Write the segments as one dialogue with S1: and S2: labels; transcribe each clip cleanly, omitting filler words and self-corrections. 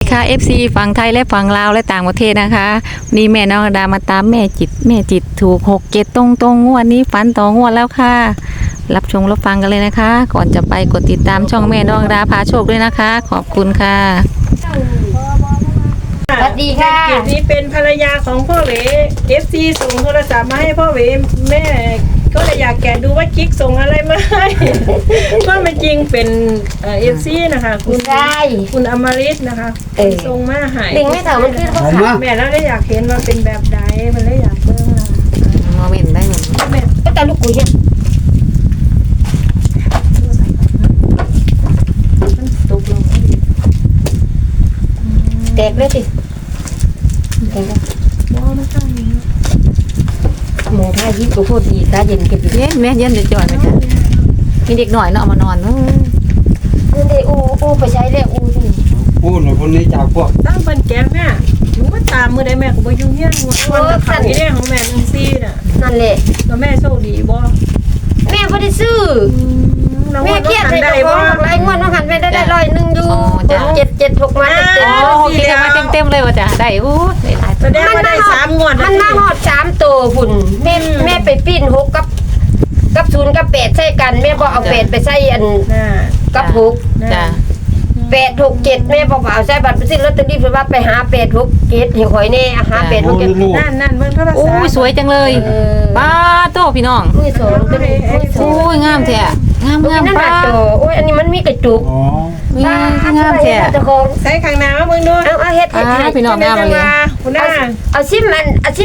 S1: ค่ะ FC ฝั่งไทยและฝั่งลาวและต่างประเทศนะคะนี่แม่น้องดามาตามแม่จิตถูก6-7ตรงงวดนี้ฝันต่องวดแล้วค่ะรับชมรับฟังกันเลยนะคะ ก่อนจะไปกดติดตามช่องแม่น้องดาพาโชคด้วยนะคะ ขอบคุณค่ะ
S2: สวัสดีค่ะ
S3: เกียรตินี้เป็นภรรยาของพ่อเหว FC ส่งโทรศัพท์มาให้พ่อเหวแม่ก็เลยอยากแกะดูว่ากิ๊กส่งอะไรมาให้ ก็ไม่จริงเป็นFC นะคะคุณอมฤตนะคะส่งมาให้
S2: ลิงไม่เถอะมันขึ้นเขาขา
S3: แม่แล้วได้อยากเห็นว่าเป็นแบบใดมันเลยอยากเบิ่งนะ
S1: มาเว้นได้เหมือน
S3: แม่
S2: ก็แต่ลูกกุยเนี่ย
S3: มันตกลง
S2: แตกเลยสิแตกแล้ว
S3: บ่มันตั้งอยู่
S2: หมูท่ายิบก็พูดดีตาเย็นกันอยู่
S1: เย็นแม่เย็นจะจ่อยไหมจ๊ะมีเด็กหน่อยเนาะเอามานอน
S2: นั่นเด้อูไปใช้แล้วอูนี่
S4: พูดหน่อยคนนี้จากพวก
S3: ตั้งเพิ่นแกงแม่หนูมาตามมื้อใดแม่ก็บ่อยู่เฮียนหมดวันละครั้งนี้ของแม่14น่ะ
S2: นั่นแหละ
S3: แล้วแม่โชคดีบ่
S2: แม่บ่ได้ซื้อแม่เครียดให้ตัวของหลายงวดน้องหันแม่ได้100อยู่776มาเต็ม
S1: โอ้โหคิดมาเต็มเลยว่ะจ้ะได้อู้ได้หลาย
S3: แสดงว่าได้3งวด
S2: มันมาฮอด3ตัวพุ่นแม่ไปปิ้น6กับ0กับ8ใส่กันแม่บ่เอา8ไปใส่อัน
S3: น่ะ
S2: กับ6
S1: จ้ะ
S2: 867แม่บอกว่าเอาใส่บัตรไปซื้อลอตเตอรี่เพิ่นว่าไปหา867ให้ข่อยแน่หา
S4: โอ้ย
S2: 867
S4: ลูก
S3: นั่นเบิ่งโทรศัพท์
S1: โอ้ยสวยจังเลยป้าโตพี่น้อง
S2: มือสองตัวนี้มือสอ
S1: โอ้
S2: ง
S1: ยงามแท้งาม
S2: นั่น
S1: ป้า
S2: น่ะตัวโอ้ยอันนี้มันมีกระจุก
S4: อ๋อ
S1: งามแท้
S2: เจ้าของ
S3: ใส่ข้างหน้ามาเบิ่งดู
S2: เอาเฮ็ด
S1: พี่น้องงามเลย
S3: คุณน้า
S2: เอาซิมมัน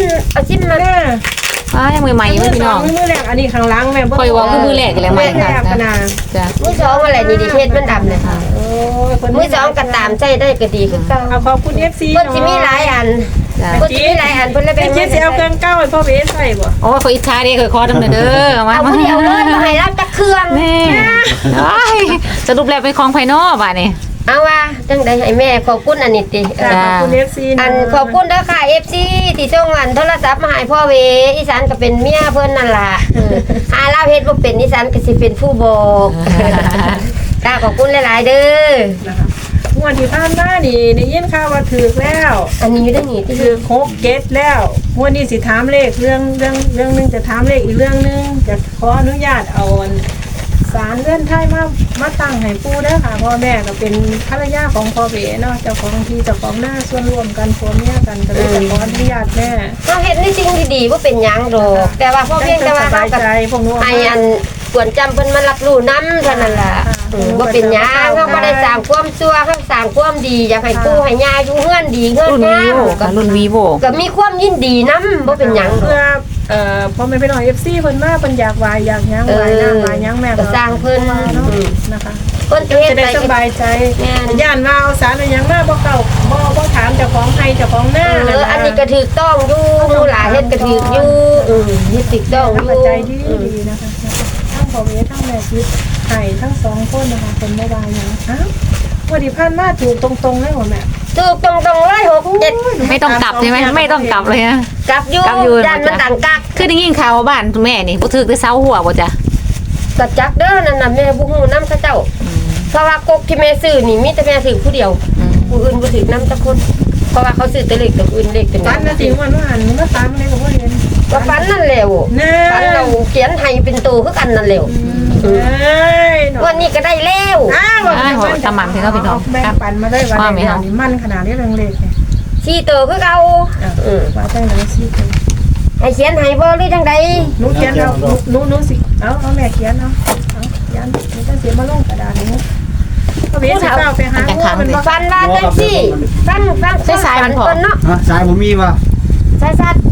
S3: น้า
S1: ป้ายังใหม่ๆอยู่พี่น้อง
S3: มือแรกอันนี้ข้างหลังแม่
S1: คอยว่าคือมือแรกกันแล้ว
S3: มื
S1: มา
S3: อแร
S1: ค่ะ
S3: กนะ
S1: จ้ะ
S2: มือสองอะไรนี่ดิเฮ็ดมันดำเลยค่ะ
S3: โอ้ย
S2: มือสองก็ตามใจได้ก็ดีคือเก่า
S3: เอาขอบคุณ FC
S2: เพิ่นสิมีหลายอัน
S1: จ้ะ
S2: เพิ่นสิมีหลายอันเพิ่นเลย
S3: เป็
S2: แบ่
S3: น
S2: ง
S3: เจ๊สิเอาเครื่องเก้าให้พ่อเบสใส่บ่
S1: โอ้ยขออิจฉาดิเคยขอดำเนินเด้อมา
S2: เอาผู้เดียวเลยบ่ให้รับจักเครื่อง
S1: นี่สรุปแล้วเป็นของภายนอกบ้านี่
S2: เอาว่าจังได๋ให้แม่ขอบคุณอันนี้ติ
S3: ขอบคุณ FC
S2: อันขอบคุณเด้อค่ะ FC ที่ส่งอันโทรศัพท์มาให้พ่อเวอีสานก็เป็นเมียเพิ่นนั่นล่ะหาลาวเฮ็ดบ่เป็นอีสานก็สิเป็นผู้บอกค่ะขอบคุณหลายๆเด้อ
S3: นะคะงวดที่ผ่านมานี่ได้ยินข่าวว่าถูกแล้ว
S2: อันนี้อยู่ได้นี่ที่
S3: ถูก6เก็ตแล้วงวดนี้สิถามเลขเรื่องนึงจะถามเลขอีกเรื่องนึงจะขออนุญาตเอาสารเลื่อนไทยมาตั้งให้ปู่เด้อค่ะพ่อแม่ก็เป็นภรรยาของพ่อเบสเนาะเจ้าของที่เจ้าของหน้าส่วนรวมกันผัวเมียกันก็เลยจะขออนุญาตแม่
S2: เฮาเฮ็ดในสิ่งที่ดีบ่เป็นหยังดอกแต่ว่าพ่อเพียงแต่ว่า
S3: ส
S2: เฮา
S3: บาย
S2: ก็
S3: ใจพวกหนู้
S2: ให้อันควรจำเพิ่นมารับรู้นำเท่านั้นล่ะบ่เป็นหยังเฮาบ่ได้สร้างความชั่วเฮาสร้างความดีอยากให้ปู่ให้ย่าอยู่เฮือนดีเฮือน
S1: รุ่น
S2: งา
S1: วี
S2: ม
S1: โวค่ะรุ่นวีโว
S2: ก็มีความยินดีนำบ่เป็นหยังดอก
S3: เพื่อพ่อแม่พี่น้อง FC เพิ่นมาเพิ่นอยากวายอยากหยังวายน้ำวายหยังแม่
S2: ก็สร้างเพิ่น
S3: เนาะนะคะ
S2: เพิ่นจะเฮ็ด
S3: จะได้
S2: ไป
S3: สบายใจ
S2: แม่น
S3: ย่านว่าเอาสารอะไรหยังมาบ่เก่าบ่ถามเจ้าของไทยเจ้าของหน้า
S2: อันนี้ก็ถูกต้องอยู่หมู่หลานเฮ็ดก็ถูกอยู่เฮ็ดถูกต้องอยู่
S3: ปัจจัยดีนะคะทั้งพ่อเวทั้งแม่คิดไห้ทั้งสองคนนะคะเป็นบ่วายหยังอ้าววันที่ผ่านมาถูกตรงๆเลยบ่แม่
S2: ถูกตรงๆเลย6 7
S1: ไม่ต้องกลับใช่ไหมไม่ต้องกลับเลยนะ
S2: กลับอยู่
S1: กลับอยู่
S2: ย่านมันต่างกัก
S1: คือได้ยินข่าวว่าบ้านแม่นี่บ่ถึกได้เซาหัวบ่จ้ะ
S2: ก็จักเด้อนั่นน่ะแม่บ่ฮู้นำเขาเจ้าเพราะว่ากกที่แม่ซื้อนี่มีแต่แม่ซื้อผู้เดียวผู้อื่นบ่ถือนำจักคนเพราะว่าเขาซื้อแต่เลขตัวอื่นเลขตัว
S3: ฝันนะสิวันว่าหันมาตามอะไรก็บ่เห็น
S2: ก็ฝันนั่นแหละ
S3: แน่
S2: ฝันเราเขียนให้เป็นตัวคือกันนั่นแหละ
S3: เอ้ย
S2: วันนี้ก็ได้แล้ว
S3: อ้าว
S1: จำมันที่เขาพี่น้อง
S3: แบ่งปันมาได้วันนี้นี่มันขนาดนี้เรื่องเล็กเนี่ย
S2: สี่ตัวคือเก่า
S3: ว่าจังไหนสิ
S2: ให้เขียนให้บ่หรือจังใด
S3: หนูเขียนเอาหนูสิเอาแม่เขียนเอายันมันจะเสียมาลงกระดาษนี้ก็เบี้ยสิเก้าไปหามันว่า
S2: ฝันว่าจังซี่ฟังต้นเนาะ
S4: ฮะสายผมมีป่ะ
S2: สายสัตว์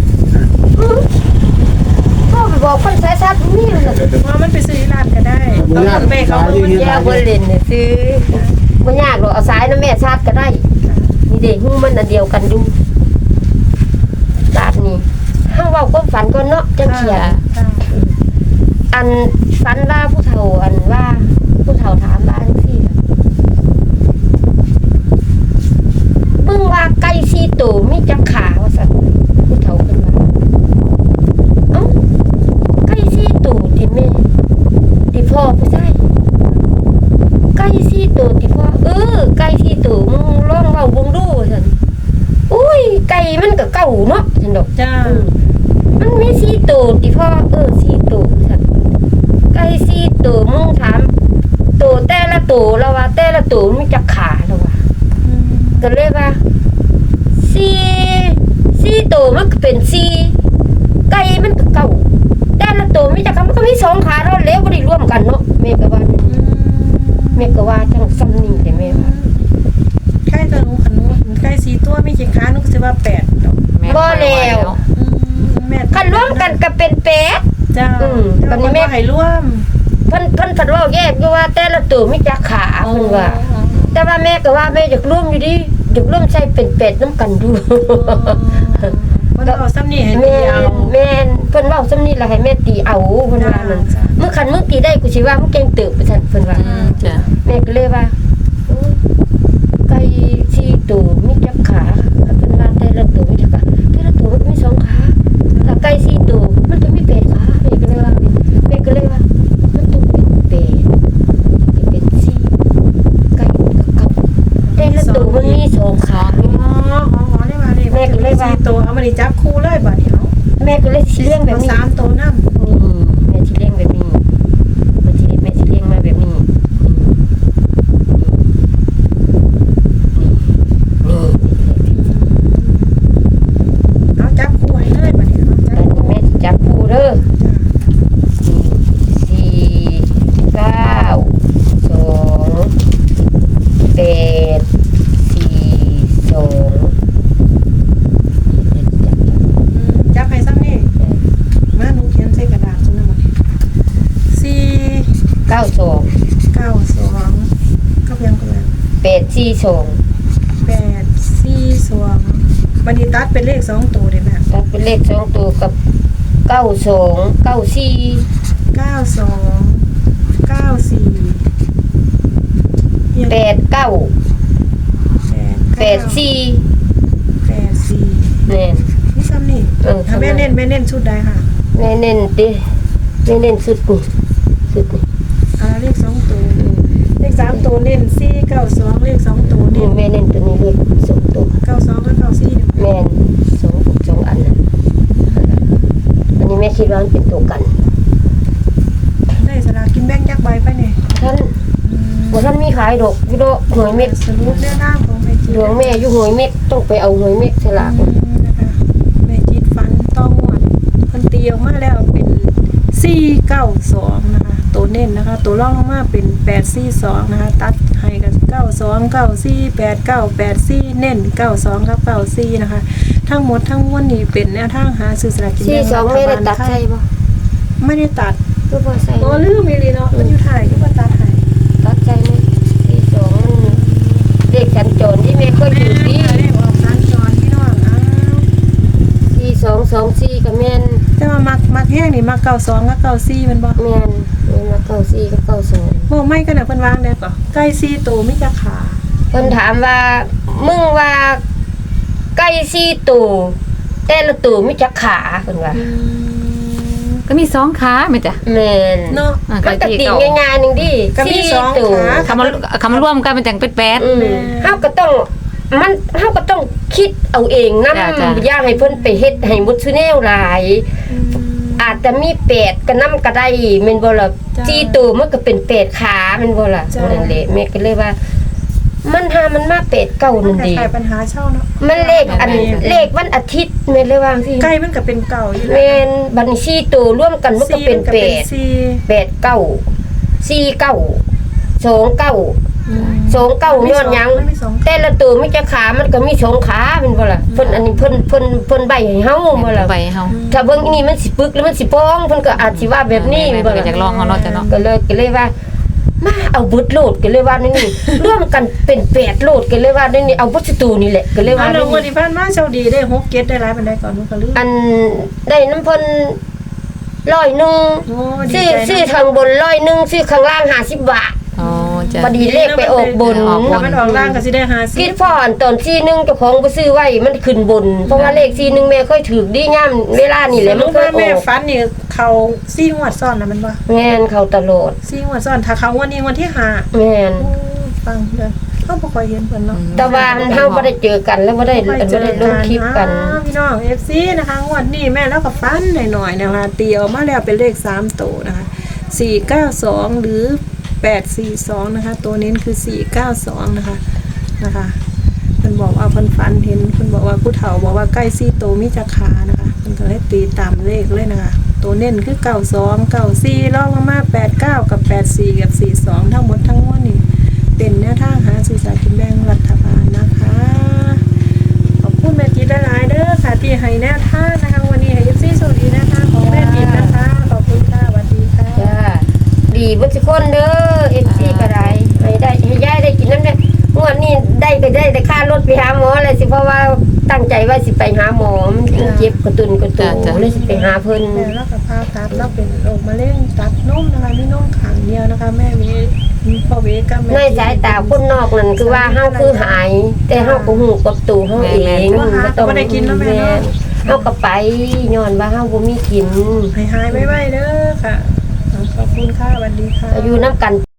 S2: พ่อไปบอกคนสายสัตว์มีเลย
S3: ว่ามันไปซื้อร้านก็ได้ต้องแม่เขามัน
S2: ยาบ่เล่นเนี่ยซื้อบ่ยากหรอกเอาสายน้ำแม่ชาติก็ได้นี่เด้ฮู้มันอันเดียวกันอยู่บาดนี้เฮาเว้าความฝันก่อนเนาะจังเขียนอันฝันว่าผู้เฒ่าอันว่าผู้เฒ่าถามว่าจังซี่มึงว่าไก่4ตัวมีจักขาว่าซั่นผู้เฒ่าเพิ่นว่าเอ้าไก่4ตัวที่แม่ที่พ่อผู้ชายไก่4ตัวที่พ่อไก่4ตัวมึงลองเว้าาเนาะฉันดอก
S3: จ้า
S2: มันมี4ตัวติพ่อ4ตัวซั่นไก่4ตัวมึงถามตัวแต่ละตัวแล้วว่าแต่ละตัวมีจักขาแล้วว่าก็เลยว่า4ตัวมันก็เป็น4ไก่มันก็เก้าแต่ละตัวมีจักขามันก็มี2ขาแล้วแล้วบ่ได้รวมกันเนาะแม่ก็ว่าจังซ้ำนี่แต่แม่ว่า
S3: ไก่ตัวหนูขนูไก่4ตัวมีกี่ขาหนูก็สิว่า8ดอก
S1: แม่
S2: บ่แล้ว
S3: แม่
S2: คันรวมกันก็เป็น8
S3: จ้า
S2: ตอนนี้แม่
S3: ให้ร่วม
S2: เพิ่นผัดเว้าแยกอยู่ว่าแต่ละตัวมีจักขาเพิ่นว่า แต่ว่าแม่ก็ว่าแม่อยากร่วมอยู่ดิอยากร่วมใช้เป็นเป็ดน้ำกันดู
S3: เพิ่นเอาซ้ำนี่ให้
S2: แม่
S3: ตีเอา
S2: แม่เพิ่นเว้าซ้ำนี้ล่ะให้แม่ตีเอาเพิ่นว่านั่น
S3: จ้ะ
S2: มึงคันมึงตีได้กูสิว่ามึงเก่งเติบไปซั่นเพิ่นว่า
S1: จ้ะ
S2: แม่ก็เลยว่าโอ้ยไก่4ตัวมีจักขาเพิ่นว่าแต่ละตัวมีจักขาแต่ละตัวมันก็มี2ขาถ้าไก่4ตัวมันก็มี8ขาแม่ก็เลยว่ามันต้องเป็น8เป็น4ไก่มันก็เก้าแต่ละตัวมันมี2ขา
S3: อ๋อได้มาเลย
S2: แม่ก็เลยว่า
S3: 4ตัวเอามานี่จับคู่เลยบัดนี้เนาะ
S2: แม่ก็เลยสิเลี้ยงแบบ
S3: เอา
S2: นี้
S3: 3ตัวนำ
S2: นี่แม่สิเลี้ยงแบบนี้แม่สิเลี้ยงมาแบบนี้นี่
S3: เอาจับคู่ให้เลยบัดนี้เนาะ
S2: อันนี้แม่สิจับคู่เด้อ4 9 2 8 4 2
S3: จับให้ซ้ำนี่มาหนูเขียนใส่กระดาษซุนำบัดนี้4
S2: 9 2
S3: 9 2กับยังก็แล้ว
S2: 8 4 2
S3: 8 4 2บัดนี้ตัดเป็นเลข2ตัวได้แม่
S2: ตัดเป็นเลข2ตัวกับ9 2 9 4
S3: 92 94
S2: 8 9 8 4
S3: 84
S2: แน่น
S3: นี่ซ้ำนี่ ถ้าแม่เน้นชุดใดค่ะ
S2: แม่เน้นดิแม่เน้นสุดนี่
S3: เลข2ตัวเลข3ตัวเน้น492เลข2ตัว
S2: นี่
S3: เน้น
S2: แม่เน้นตัวนี้เลข2ตัว
S3: 92และ94เนี่ย
S2: แม่น2อันน่ะอันนี้แม่คิดว่ามันเป็นตัวกัน
S3: ได้สลากกินแบ่งจักใบไปเนี่ย
S2: ท่านบ่ท่านมีขายดอกอยู่ดอกหวยเม็ด
S3: สรุปเรื่องหน้าของแม่จิต
S2: ดวงแม่อยู่หวยเม็ดต้องไปเอาหวยเม็ดสลาก
S3: นะคะแม่จิตฟันต้องหวดคนตีออกมาแล้วเป็น492นะคะตัวเน้นนะคะตัวรองลงมาเป็น842นะคะตัดให้กัน92 94 89 84เน้น92กับ94นะคะทั้งหมดทั้งมวลนี้เป็นแนวทางหาซื้อสลากกินแบ่ง
S2: 42แม่ได้ตัดใช่บ่
S3: ไม่ได้ตัด
S2: คือบ่ใส่
S3: อ๋อลืมอีหลีเนาะมันอยู่ถ่ายก็บ่ตัดให้
S2: ตัดใส่นี่42มันเลขสัญจรที่แม่เคยอยู่ดี
S3: เลขออกสัญจรพี่น้องอ้าว
S2: 4224ก็แม่น
S3: แต่ว่ามักแห้งนี่มัก92กับ94มันบ่
S2: แม่นมา94กับ92
S3: บ่ไม่กันน่ะเพิ่นวางได้ก่อไก่4ตัวมีจักขา
S2: เพิ่นถามว่ามึงว่าไก่4ตัวแต่ละตัวมีจักขาเพิ่นว่า
S1: ก็มี2ขาแม่จ้ะ
S2: แม่น
S3: เนาะ
S1: อ่ะ
S2: มันก็ติง่ายๆนึงดิ
S3: ก็มี
S2: 4
S3: สอง
S2: ตัว
S3: ขา
S1: คำมารวมกันเป็นจังเป็น8
S2: เฮาก็ต้องคิดเอาเองนำ
S1: จ้ะ
S2: อย่าให้เพิ่นไปเฮ็ดให้หมดซุแนวหลาย อาจจะมี8ก็นำก็ได้แม่นบ่ล่ะ4ตัวมันก็เป็น8ขาแม่นบ่ล่ะนั่นแหละแม่ก็เลยว่า มันหามันมา8 9นั่น
S3: แต่
S2: ดิ
S3: ไขปัญหาเช่าเนาะ
S2: มันเลขวันอาทิตย์แม่นเลยว่าจังซี่
S3: ไก่มันก็เป็นเก่าอยู่
S2: แม่นบัดนี้4ตัวรวมกันมันก็เป็น
S3: 4
S2: 8 8 9 4 9 2 9 2 9ย้อนหยัง
S3: มันมีสอง
S2: แต่ละตัวมีจักขามันก็มี2ขาแม่นบ่ล่ะเพิ่นอันนี้เพิ่นใบให้เฮาบ่ล่ะ
S1: ใบเฮา
S2: ถ้าเบิ่งอีนี่มันสิปึกแล้วมันสิป้องเพิ่นก็อาจสิว่าแบบนี้
S1: แม่
S2: บ่
S1: ก็
S2: ล่ะ
S1: อยากลองเอาเนาะจ้ะเนาะ
S2: ก็เลยว่า มาเอาบุดโลดก็เลยว่านี่ ร่วมกันเป็น8โลดก็เลยว่านี่เอาบุดตูนี่แหละก็เลยว่า
S3: อัน
S2: นี่
S3: นั้นวันที่ผ่านมาโชคดีได้6เก็ตได้หลายปานใดก่อนมันก็ลืม
S2: อันได้น้ำเพิ่น100นึง
S3: โอ้ดี
S2: ซื้อ
S3: ใจ
S2: ข้างบน100ซื้อข้างล่าง50 บาท
S1: อ๋อจ้ะ
S2: พอดีเลขไปออกบน
S3: ถ้ามันออกล่างก็สิได้
S2: คิดพ่ออันตอน41เจ้าของบ่ซื้อไว้มันขึ้นบน เพราะว่าเลข41แม่ค่อยถูกดีย่ํเวลานี่แหละมันเคยอ
S3: แม่
S2: อก
S3: ฟันนี่เขา4งวดซ้อนน่ะมันบ่
S2: แม่นเข้าตลอด
S3: 4งวดซ้อนถ้าเขางวดนี้งวดที่5
S2: แม่น
S3: ฟังเด้อเขาบ่ค่อยเห็นเพิ่นเนาะ
S2: แต่ว่าเฮาบ่ได้เจอกันแล้วบ่ได้ลงคลิปกัน
S3: พี่น้อง FC นะคะงวดนี้แม่แล้วก็ฟันหน่อยๆนะคะตีออกมาแล้วเป็นเลข3ตัวนะคะ492หรือ842นะคะตัวเน้นคือ492นะคะเพิ่นบอกว่าเพิ่นฝันเห็นเพิ่นบอกว่าผู้เฒ่าบอกว่าใกล้4ตัวมีจักขานะคะเพิ่นก็เลยตีตามเลขเลยนะคะตัวเน้นคือ92 94รองลงมา89กับ84กับ42ทั้งหมดทั้งมวลนี่เป็นแนวทางหาซื้อสลากกินแบ่งรัฐบาลนะคะขอบคุณแม่จิตหลายๆเด้อค่ะที่ให้แนวทางนะคะวันนี้ให้ FC สวัสดีนะคะของแม่จิตนะคะขอบคุณค่ะสวัสดีค่ะ
S2: จ้าดีเบ่ทุกคนเด้อ FC ก็ได้ให้ยายได้กินน้ำเนี่ยงวดนี้ได้ก็ได้แต่ค่ารถไปหาหมอเลยสิเพราะว่าตั้งใจว่าสิไปหาหมอมันเจ็บกระตุนเลยสิไปหาเพิ่น
S3: แม่แล้วกับพาตัดแล้วเป็นโรคมะเร็งตัดนมนะคะมีนมขังเดียวนะคะแม่มีพ่อเวกับแม่
S2: ในสายตาคนนอกนั่นคือว่าเฮาคือหาย แต่เฮาก็ฮู้กับตัวเฮาเองบ่ได้กินแล้วแม่เฮาก็ไปย้อนว่าเฮาบ่มีกิน
S3: หายไว้ๆเด้อค่ะขอบคุณค่ะสวัสดีค่ะ
S2: อยู่นำกัน